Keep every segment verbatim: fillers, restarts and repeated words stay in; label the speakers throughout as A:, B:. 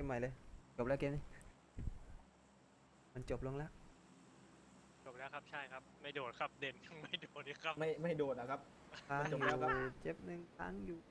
A: ใหม่เลยจบแล้วเกมนี้มันจบลงแล้ว
B: จบแล้วครับใช่ครับไม่โดดครับเด่นยังไม่โดดเลยครับ
C: ไม่ไม่โดดนะครับ
A: ค้างอยู่
C: มันจบแล้วครับ
A: เจ็บหนึ่งค้างอยู่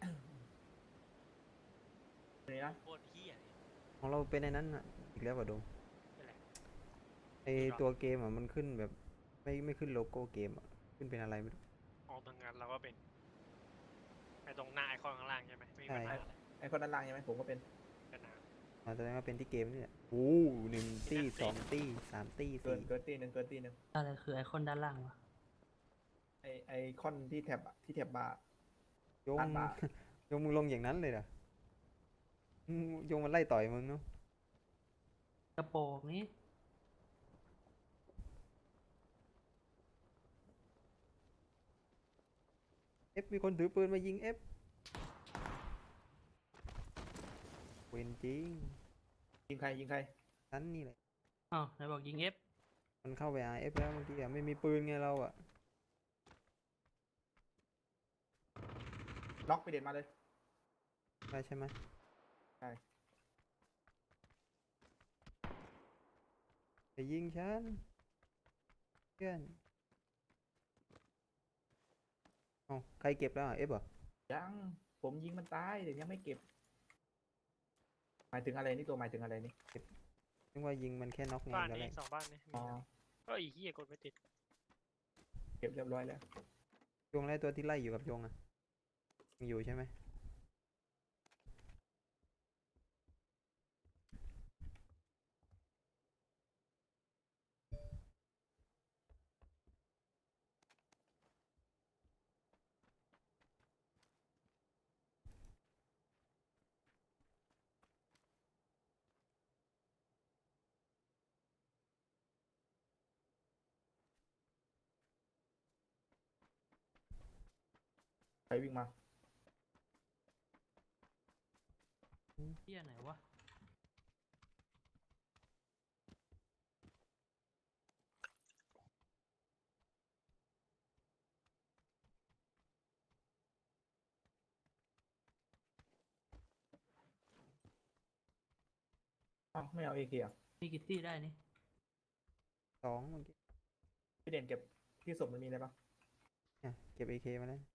C: นี่นะ
B: โคตรเฮี้ยเลย
A: ของเราเป็นในนั้นอ่ะอีกแล้วป่ะโดม
B: เป็นไร
A: ไอ
B: อีกเหรอ
A: ตัวเกมอ่ะมันขึ้นแบบไม่ไม่ขึ้นโลโก้เกมอ่ะขึ้นเป็นอะไรไม่รู้
B: ออกทางงานเราก็เป็นไอ้ตรงหน้าไอคอนข้างล่างใช่ไหมไม่มี
A: ใช่
B: ปัญหาอะไร
C: ไอคนด้านล่างใช่ไหมผมก็เป็น
B: กันนะ
A: อ๋อแสดงว่าเป็นที่เกมนี่แหละโอ้หนึ่งตี้สองตี้สามตี้
C: เกิน
A: สี่
C: เกินตีหนึ่งเกินตีหนึ่ง
D: อะไรคือไอคอนด้านล่างวะ
C: ไอไอคอนที่แท็บอะที่แท็บบาร์
A: โยง
C: ด้านบาร์
A: โยงมึงลงอย่างนั้นเลยเหรออืมโยงมันไล่ต่อยมึงเนาะ
D: กระโปรงนี้
A: เอฟมีคนถือปืนมายิงเอฟเวนจริง
C: ยิงใครยิงใคร
A: นั้นนี่แหละ
D: อ้าวไหนบอกยิงเอฟ
A: มันเข้าไปอาเอฟแล้วเมื่อกี้อะไม่มีปืนไงเราอ่ะ
C: ล็อกไปเด็ดมาเลย
A: ใช่ใช่ไหม
C: ใช่
A: อย่ายิงฉันเพื่อนอ๋อใครเก็บแล้วอ่ะเอฟเหรอ
C: ยังผมยิงมันตายแต่ยังไม่เก็บหมายถึงอะไรนี่ตัวหมายถึงอะไรนี่
A: นึกว่ายิงมันแค่น็อกไง
B: บ้าน
A: ตอนแร
B: นี้
A: ก
B: สองบ้านนี้มี
C: อ๋อ
B: นะก็อีเฮี้ยกดไม่ติด
C: เก็บเรียบร้อยแล้ว
A: จงไล่ตัวที่ไล่อยู่กับจงอ่ะยังอยู่ใช่ไหม
C: ใครวิ่งมา
D: เที่ยไหนวะ
C: อ้าวไม่เอาเอเกีย
D: มีกิตตี้ได้นี่
A: สองเมื่อกี้
C: พี่เด่นเก็บที่ศพมันมีอะไรปะ
A: เนี่ยเก็บเอเคมาแล้ว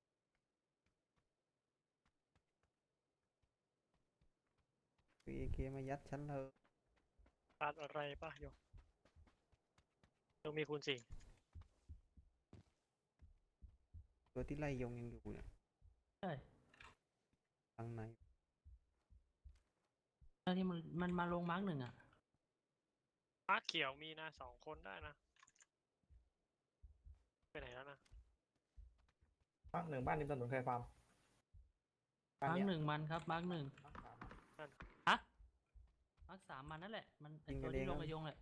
A: เอเคมายัดฉันเลย
B: ตัดอะไรป่ะโยมต้องมีคูณสี่
A: ตัวที่ไล่ยงยังอยู่เนี่ย
D: ใช่
A: ทางไหน
D: ตอนที่มันมันมาลงมาร์กหนึ่งอ่ะ
B: มาร์คเขียวมีนะสองคนได้นะไปไหนแล้วนะ
C: บ้านหนึ่งบ้านริมถนนใครฟาร์มบ้าน
D: มาร์ก
C: เนี้ย
D: หนึ่งมันครับมาร์กหนึ่ง
C: บ้านสามอะ
D: ฮะมาร์กสามมันนั่นแหละมันไอตัวที่ลงกระยงแหละ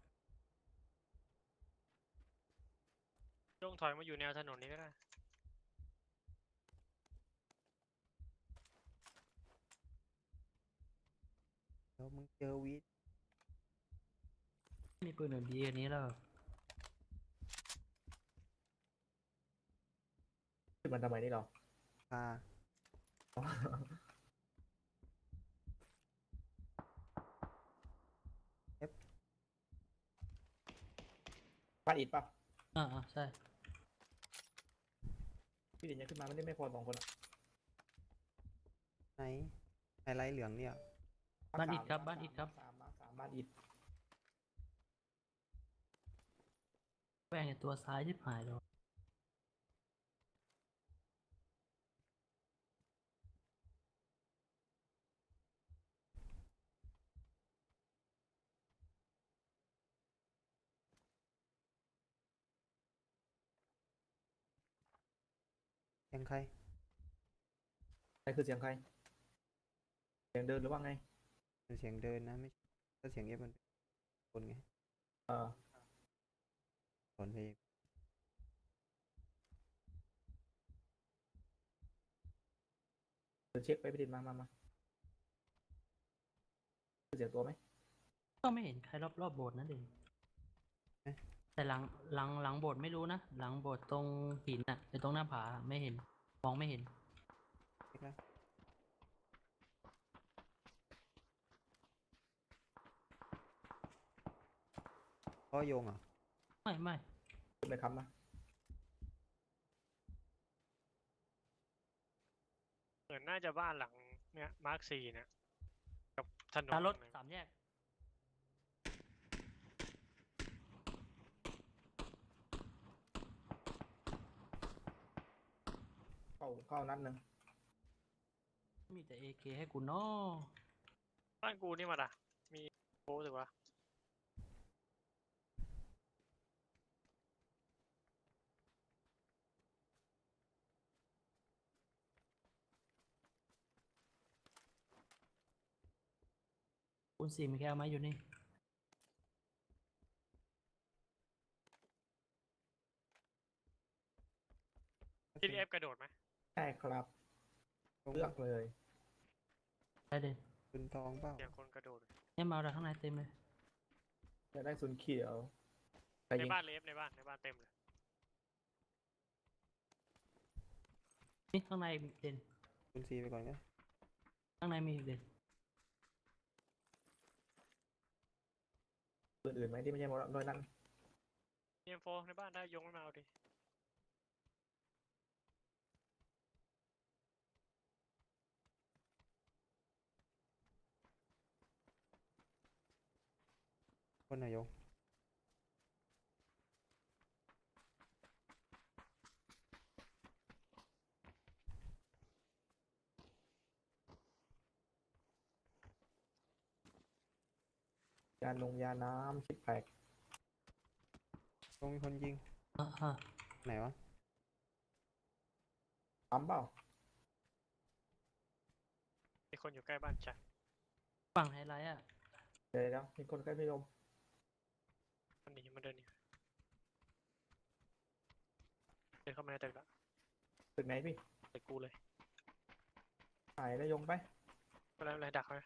B: โยงถอยมาอยู่แนวถนนนี้ก็ได้
A: เดี๋ยวมึงเจอวีด
D: มีปืนอื่นดีอันนี้แล้ว
C: ขึ้นมันทำไมนี่เรา
A: พา
C: บ้านอิดปะ
D: อ่าอ่าใช่
C: พี่เด่นยังขึ้นมาไม่ได้ไม่พอสองคนอะ
A: ไหนไฮไลท์เหลืองเนี่ย
D: บ้านอิดครับ
C: ม
D: บ้านอิดครับ
C: สามมาสามบ้านอิด
D: แหวงไอตัวซ้ายที่หายเลย
A: เสียงใคร
C: ใครคือเสียงใครเสียงเดินหรือว่าไง
A: เป็นเสียงเดินนะไม่ถ้าเสียงเอฟมันเป็นคนไง
C: เออ
A: คนเพลง
C: เดี๋ยวเช็คไปพี่เด่นมามามาคือเสียงตัวไหม
D: ก็ไม่เห็นใครรอบรอบโบสถ์นั่นเองแต่หลังหลังหลังโบสถ์ไม่รู้นะหลังโบสถ์ตรงหินอ่ะไอตรงหน้าผาไม่เห็นมองไม่เห็น
A: เช็คแล้วเพราะโยงเหรอ่ะ
D: ไม่ไม่
C: ขึ้นไปครับนะ
B: เหมือนน่าจะบ้านหลังเนี่ยมาร์คสี่เนี่ยกับถนน
D: ตารถ
B: ตรงไหน
D: สามแยก
C: เข้าเข้านัดหนึ่ง
D: มีแต่เอเคให้กูเนาะ
B: บ้านกูนี่มาด่ะมีโป๊สึกว่า
D: คุณสี่มีแค่เอาไม้อยู่นี่
B: ทีเอฟกระโดดไหม
C: ใช่ครับ
A: ตรง
C: เลือกเลย
D: ได้เด่น
A: ปืนทองเปล่า
B: เสียงคนกระโดด
D: เนี่ยมาเราข้างในเต็มเลย
C: จะได้ศูนย์เขียวไป
B: ใน
C: ยิง
B: บ้านเลฟในบ้านในบ้านเต็มเลย
D: นี่ข้างในมีเด่น
A: ปืนซีไปก่อนก็
D: ข้างในมีอีกเด่น
C: ปืนอื่นไหมที่ไม่ใช่โมโดยนั้น
B: เอ็มโฟในบ้านได้ยงไม่มาเอาดิ
A: คนนายก
C: ยาลงยาน้ำชิปแพก
A: ตรงมีคนยิง
D: อ่าอ่า
A: ไหนวะ
C: ปั๊มเปล่า
B: มีคนอยู่ใกล้บ้านจัด
D: ฝั่งไฮไลท์อ่ะ
C: เดี๋ยวเดี๋ยวมีคนใกล้พี่ลม
B: มันหนีมันเดินหนีเดินเข้ามาในตึกละ
C: ตึกไหนพี่
B: ตึกกูเลย
C: หายแล้วยงไป
B: ก็แล้วอะไรดักไว้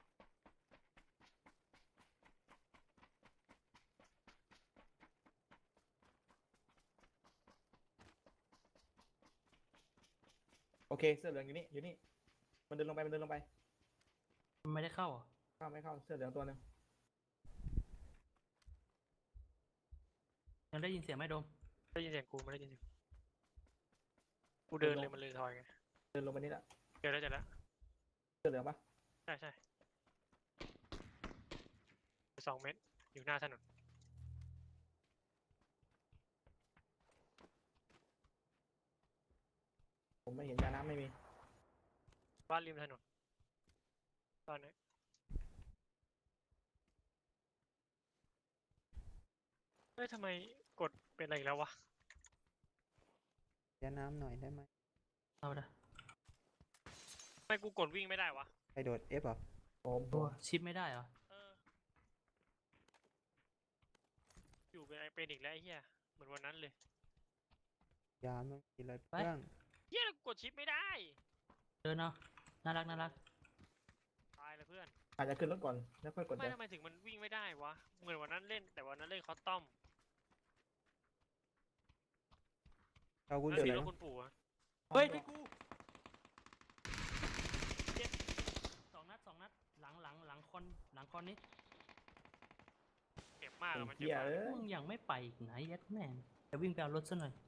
C: โอเคเสื้อเหลืองอยู่นี่อยู่นี่มันเดินลงไปมันเดินลงไป
D: มันไม่ได้เข้าเหรอ
C: เข้าไม่เข้าเสื้อเหลืองตัวหนึ่ง
D: ยังได้ยินเสียงไหมโดม
B: ได้ยินเสียงกูไม่ได้ยินเสียงกูเดินเลยมันเลยทอยไง
C: เดินลงไปนี่ละ
B: เจอแล้วเจอแล้ว
C: เสื้อเหลืองปะ
B: ใช่ใช่สองเมตรอยู่หน้าถนน
C: ผมไม่เห็นยาน้ำไม่มี
B: บ้านริมถนนตอนนี้เฮ้ยทำไมกดเป็นอะไรอีกแล้ววะ
A: ยาน้ำหน่อยได้ไหม
D: เอาละ
B: ทำไมกูกดวิ่งไม่ได้วะ
A: ใครโดด F เหรอ
C: ผม
D: ตัวชิปไม่ได้เหรอ
B: เอออยู่เป็นไอเป็นอีกแล้วไอ้เหี้ยเหมือนวันนั้นเลย
A: ยามต้องกินอะไรเพื่อน
B: เหี้ยกูกดชิปไม่ได้
D: เดินเอาน่ารักน่ารัก
B: ตายเลยเพื่อน
C: อาจจะขึ้นรถก่อนแล้วค่อยกด
B: ไม่
C: เดี๋ยว
B: ทำไมถึงมันวิ่งไม่ได้วะเหมือนวันนั้นเล่นแต่วันนั้นเล่นคอสตอม
A: เอาคุณ
B: แล้ว
A: เสื
B: สี
A: อ
B: รถคุณปู่อะ
D: เฮ้ยที่กูเจ็บสองนัดสองนัดหลังหลังหลังคอนหลังคอนนี้
B: เจ็บมากอะมันเจ็บ
C: เหี้ย
B: มาก
C: เอ้ย
D: มึงยังไม่ไปอีกไหนยัดแม่งจะวิ่งไปเอารถซะหน่อย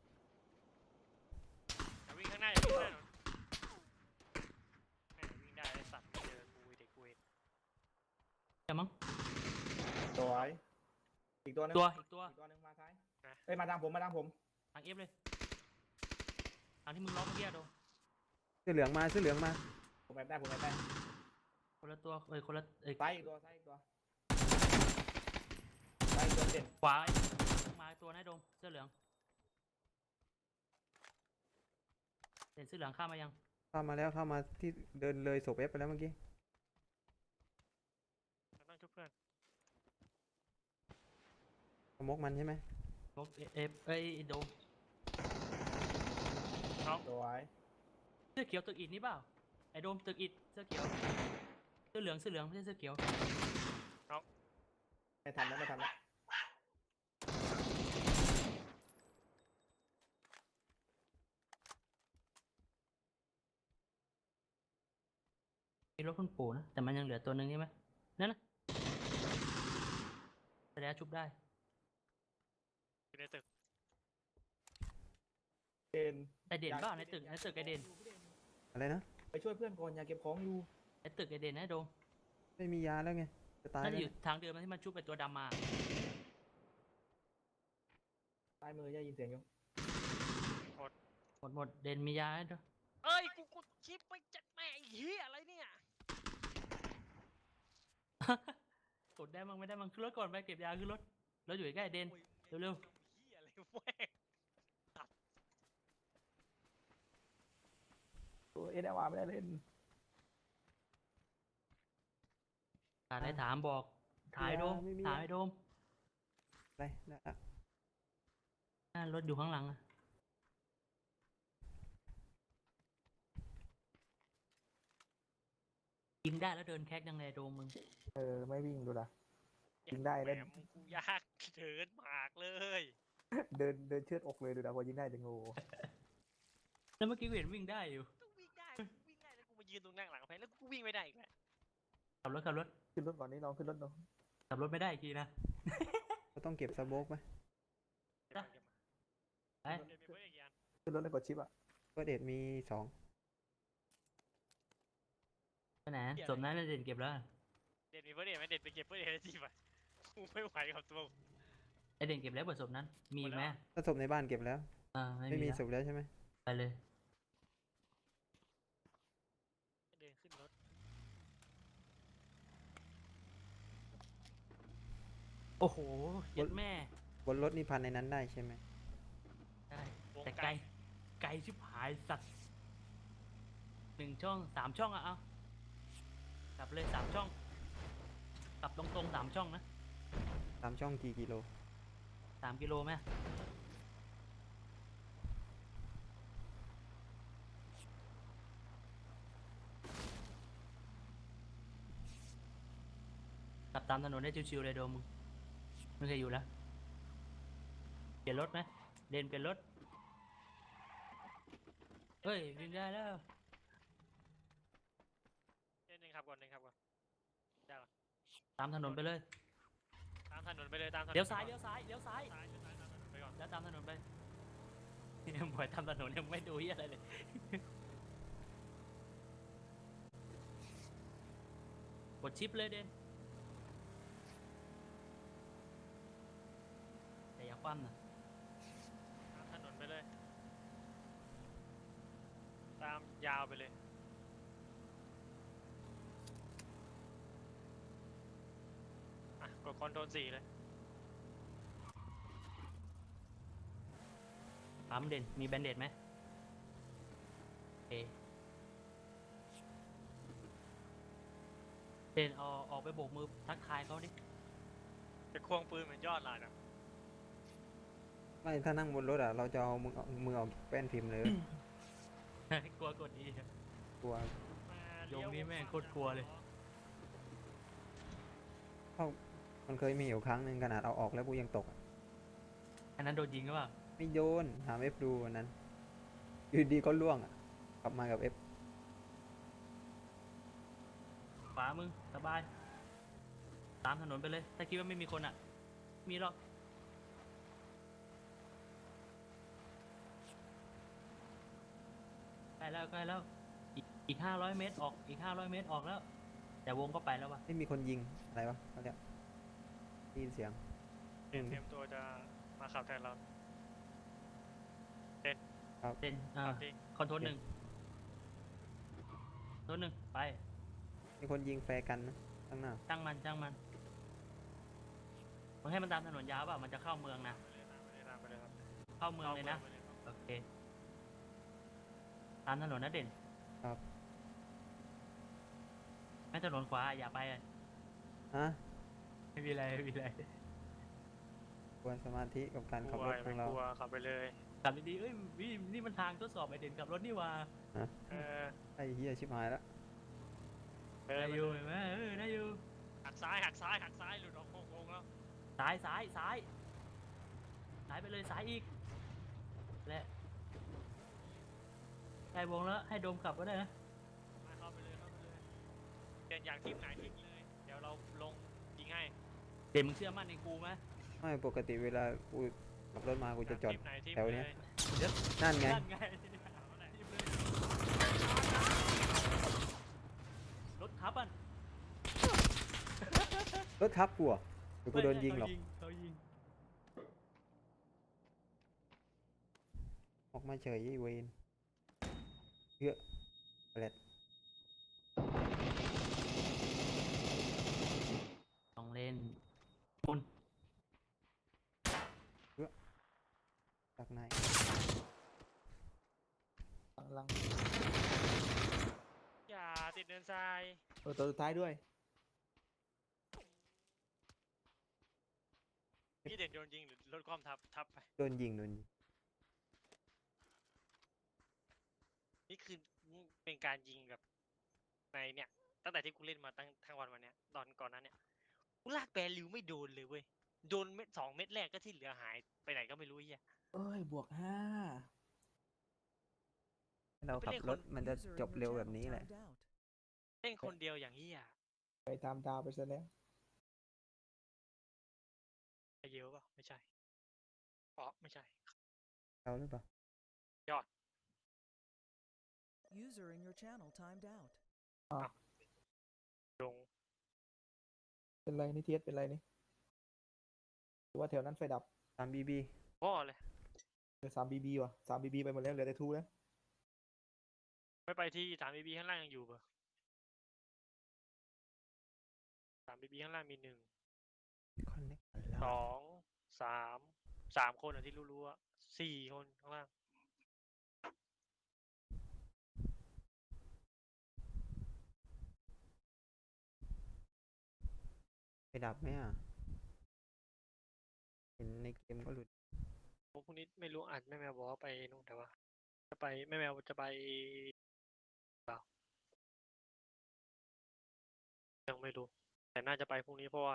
B: อย่าวิ่งข้างหน้าอย่าวิ่งข้างหน้าหน่อยแม่งวิ่งได้ไอ้สัตว์เจอกูเด็กกูเอง
D: จะมั้ง
C: สวยอีกตัวหนึง
D: ตัวอีกตัว
C: อีกตัวหนึงมาซ้ายเอ้ยมาทางผมมาทางผม
D: ทางเอฟเลยทางที่มึงล็อกเมื่อกี้อะโดม
A: เสื้อเหลืองมาเสื้อเหลืองมา
C: ผมแอบได้ผมแอบได้
D: คนละตัวเอ้ยคนละเอ้ย
C: ซ้ายอีกตัวซ้ายอีกตัวซ้ายอีกตัวเด่น
D: ขวามาตัวนะโดมเสื้อเหลืองเห็นเสื้อเหลืองข้ามมายัง
A: เข้ามาแล้วเข้ามาที่เดินเลยศพ F ไปแล้วเมื่อกี้
B: เราต้องช่วยเพื่อน
A: สมกมันใช่ไหม
D: ล็อกเอฟเอ้ยโดม
C: สวย
D: เสื้อเขียวตึกอิฐนี่เปล่าไอ้โดมตึกอิฐเสื้อเขียวเสื้อเหลืองเสื้อเหลืองไม่ใช่เสื้อเขียว
C: ไม่ทันแล้วไม่ทันแล้ว
D: มีรถคุณปู่นะแต่มันยังเหลือตัวหนึ่งใช่ไหมนั่นนะแสดงชุบได้
B: ในตึก
C: เด่น
D: ไอเด่นเปล่าในตึกในตึกไอเด่น
A: อะไรนะ
C: ไปช่วยเพื่อนก่อนอย่าเก็บของอยู่
D: ไอตึกไอเด่นนะโดม
A: ไม่มียาแล้วไงจะตาย
D: น่า
A: แล้
D: จะ
A: ว
D: อยู่
A: เนี่ย
D: ทางเดิมที่มันชุบไปตัวดำมา
C: ซ้ายมือได้ยินเสียงอยู่
D: หมดหมดเด่นมียาให้ด้วย
B: เอ้ยกูกดชิปไปจัดแม่ไอ้เหี้ยอะไรเนี่ย
D: กดได้มั้งไม่ได้มั้งขึ้นรถก่อนไปเก็บยาขึ้นรถรถอยู่ใกล้ๆเด่น
B: โอ้ย
D: เร็ว
B: เหี้ยอะไรแม่ง
C: ตัวเอ็นเอวาไม่ได้เล่น
D: ๆขาดอะไรถามบอกถ่ายโดมถ่ายโดม
A: อะไรนะอ่ะ
D: อ่ารถอยู่ข้างหลังอะยิงได้แล้วเดินแคกยังไงโดมมึง
C: เออไม่วิ่งดูละ ยิงได้เล่น
B: แหมมึงกูยากเดินหมากเลย
C: เดินเดินเชือดอกเลยดูนะพอยิงได้จะงู
D: แล้วเมื่อกี้กูเห็นวิ่งได้อยู่
B: ต้องวิ่งได้กูวิ่งได้แล้วกูมายืนตรงนั่งหลังแพ้แล้วกูวิ่งไม่ได้อีกแล้ว
D: ขับรถขับรถ
C: ขึ้นรถก่อนนี่ลองขึ้นรถลอง
D: ขับรถไม่ได้อีกทีนะ
A: ก็ต้องเก็บสโบกไหม
D: จ้ะ ไป
B: เดี๋ยวมีเพื่อนอีกอย่าง
C: ขึ้นรถแล้วกดชิปอ่ะ
A: ก็เดทมีสอง
D: ไปไหนสมนั้นเด่นเก็บแล้ว
B: เด็ดมีเพื่อนเด็ดไหมเด็ดไปเก็บเพื่อนเด็ดจีบอ่ะกูไม่ไหวกับตัว
D: ไอเด่นเก็บแล้วบทสมนั้นมีอีกไหม
A: ถ้าศพในบ้านเก็บแล้ว
D: อ่าไม่
A: ไม่
D: มี
A: มี
D: แล้ว
A: ศพแล้วใช่ไหม
D: ไปเลย
B: เดินขึ้นรถ
D: โอ้โหเย็ดแม่
A: บนรถนี่พันในนั้นได้ใช่ไหม
D: ได้
B: วง
D: แต่
B: ไก
D: ไก
B: ล
D: ลไกลชิบหายสัตว์หนึ่งช่องสามช่องอะเอากลับเลยสามช่องกลับตรงๆสามช่องนะ
A: ตามช่องกี่กิโล
D: สามกิโลไหมกลับตามถนนได้ชิวๆเลยโดมมึงไม่เคยอยู่แล้วเปลี่ยนรถไหมเดินเปลี่ยนรถเฮ้ยวิ่งได้แล้ว
B: เดินหนึ่งขับก่อนหนึ่งขับก่อนได้ปะ
D: ตามถนนไปเลย
B: ตามถนนไปเลยตามถนน
D: เลี้ยวซ้ายเลี้ยวซ้ายเลี้ยวซ้าย
B: ซ้ายเลี้ยวซ้ายตามถนนไปก่อน
D: แล้วตามถนนไปยังบ่อยตามถนนยังไม่ดูเหี้ยอะไรเลย กดชิปเลยเด่นแต่อย่าคว่ำนะ
B: ตามถนนไปเลย ตามยาวไปเลยอ่ะกดคอนโทรลสี่เลย
D: ปั๊มเด่นมีแบนเดดไหมโอเคเด่นเอาออกไปโบกมือทักทายเขาดิ
B: จะควงปืนเหมือนยอดลายนะ
A: ไม่ถ้านั่งบนรถอ่ะเราจะเอามือเอามือออกแป้นพิมพ์เลย
D: กลัวกดอี
A: กลัว
B: มา
D: โยมนี่แม่งโคตรกลัวเลย
A: เพราะมันเคยมีอยู่ครั้งหนึ่งขนาดเอาออกแล้วกูยังตกอะ
D: อันนั้นโดนยิงหรือเปล่า
A: ไม่โยนถามเอฟดูวันนั้นอยู่ดีก็ล่วงอ่ะกลับมากับเอฟ
D: ขวามึงสบาย ตามถนนไปเลย ถ้าคิดว่าไม่มีคนอ่ะ มีหรอกใกล้แล้วใกล้แล้ว อีกอีกห้าร้อยเมตรออกอีกห้าร้อยเมตรออกแล้ว แต่วงก็ไปแล้ววะ
A: ไม่มีคนยิงอะไรวะเขาเรียกได้ยินเสียง
B: เตรียมเตรียมตัวจะมาขับแทนเรา
D: เด่นอ่า
B: ขับดิ
D: คอนโทรลหนึ่งคอนโทรลหนึ่งไป
A: มีคนยิงแฟร์กันนะข้างหน้า
D: ช่างมันช่างมันมึงให้มันตามถนนยาวเปล่ามันจะเข้าเมืองนะ
B: ไปเลยตามไปเลยตามไปเลยครับ
D: เข้าเมืองเลยนะ
B: ข้ามืองไปครับ
D: โอเค ตามถนนนะเด่น
A: ครับ
D: ไม่ถนนขวาอย่าไปอะ
A: ฮะ
D: ไม่มีอะไรไม่มีอะไร
A: ควรสมาธิกับการ
B: ก
A: ขับ
B: ลัว
A: รถข
B: ไม่
A: องเรา
B: กลัวขับไปเลย
D: ขับดีๆเอ้ยนี่นี่มันทางทดสอบไอเด่นขับรถนี่หว่า
B: เออ
A: ไอ้เฮียชิบหายแล้ว
B: เดิน
D: ได้
B: ไป
D: อยู่
B: เลย
D: เห็นไหมเออได้อยู่
B: หักซ้ายหักซ้ายหักซ้ายหลุดออกโค้งๆแล้ว
D: ซ้ายซ้ายซ้ายซ้ายไปเลยซ้ายอีกและใกล้วงแล้วให้โดมขับก็ได้นะ
B: มาเข้าไปเลยเข้าไปเลยเปลี่ยนอย่างทีมไหนทีมเลย เดี๋ยวเราลงยิงให้
D: เด่นมึงเชื่อมั่นในกูไหม
A: ไม่ปกติเวลากูขับรถมากูจะจอด
B: ทีมไหนทีม
A: แถวเนี้ย
B: เลย
A: นั่นไง
D: นั่นไงทีมเลยรถทับอ่ะ
A: รถทับกูเหรอเดี๋ยวกูโดนยิงหรอก
D: เขายิง
A: ออกมาเฉยไอ้เวนเยอะแปลด
D: ต้องเล่นมุน
A: จากไหน
C: หลัง
B: อย่าติดเนินทราย
C: ๆเออตัวสุดท้ายด้วย
B: พี่เด่นโดนยิงหรือรถความทับทับไป
A: โดนยิงโดนยิง
B: นี่คือเป็นการยิงแบบในเนี่ยตั้งแต่ที่กูเล่นมาตั้งทั้งวันวันเนี้ยตอนก่อนนั้นเนี่ยกูลากแบริวไม่โดนเลยเว้ยโดนเม็ดสองเม็ดแรกก็ที่เหลือหายไปไหนก็ไม่รู้ไอ้เฮีย
C: เอ้ยบวกห้า
A: เราขับรถมันจะจบเร็วแบบนี้แหละ
B: เล่นคนเดียวอย่างเฮีย
C: ไปตามดาวไปซะแล้ว
B: ไอเยอะป่ะไม่ใช่อ๋อไม่ใช่
A: เราหรือเปล่า
E: User in your channel timed out.
B: ลง
C: เป็นไรนี่เทียสเป็นไรนี่หรือว่าแถวนั้นไฟดับ
A: ตามบีบี
B: พ่อเลย
C: เหลือสามบีบีว่ะสามบีบีไปหมดแล้วเหลือแต่ทูแล้ว
B: ไม่ไปที่สามบีบีข้างล่างยังอยู่ป่ะสามบีบีข้างล่างมีหนึ่ง
A: คอนเนค
B: สองสามสามคนอ่ะที่รู้ๆอ่ะสี่คนข้างล่าง
A: ไปดับไหมอ่ะ เห็นในเกมก็หลุด
B: พวกนี้ไม่รู้อาจแม่แมวบอกว่าไปนู่นแต่ว่าจะไปแม่แมวจะไปเปล่ายังไม่รู้ แต่น่าจะไปพรุ่งนี้เพราะว่า